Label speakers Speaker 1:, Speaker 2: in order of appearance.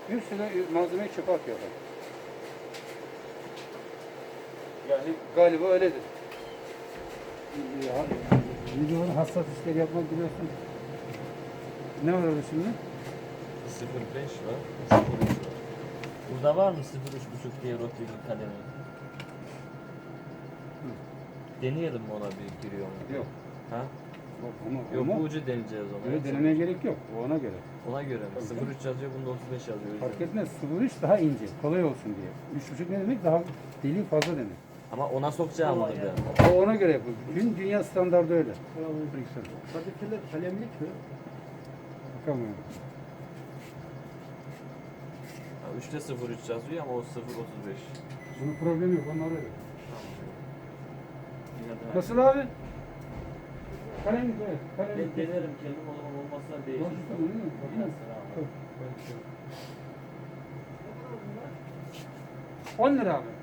Speaker 1: Bir sürü malzemeyi çöpe atıyorlar. Yani galiba öyledir. Videonun hassas işleri yapmak biliyorsun. Ne var orada şimdi?
Speaker 2: 0.5 var, 0.3 var. Burada var mı 0.3.5 diye Rotterdam kalemi? Deneyelim mi ona bir giriyor mu?
Speaker 1: Yok.
Speaker 2: Ha?
Speaker 1: Yok,
Speaker 2: Yok bu ucu deneyeceğiz o zaman.
Speaker 1: Böyle denemeye gerek yok. O ona göre.
Speaker 2: Ona göre mi? 0.3 yazıyor, bunda 35 yazıyor.
Speaker 1: Fark etmez. 0.3 daha ince. Kolay olsun diye. 3.5 ne demek? Daha deliği fazla demek.
Speaker 2: Ama ona sokacağım onu ben.
Speaker 1: O ona göre yapıyor. Bütün dünya standardı öyle.
Speaker 3: Kadifeler kalemlik mi?
Speaker 1: Bakamıyorum.
Speaker 2: 3'te 0.3 yazıyor ama o 0.35.
Speaker 1: Bunun problemi yok. Onlar öyle.
Speaker 2: Yine de
Speaker 1: Nasıl abi? Kalemlik evet. Kalemlik.
Speaker 2: ben denerim kendim, o zaman olmazsa değişir.
Speaker 1: Konuştun değil mi?
Speaker 2: Biraz sonra ama.
Speaker 1: 10 lira abi.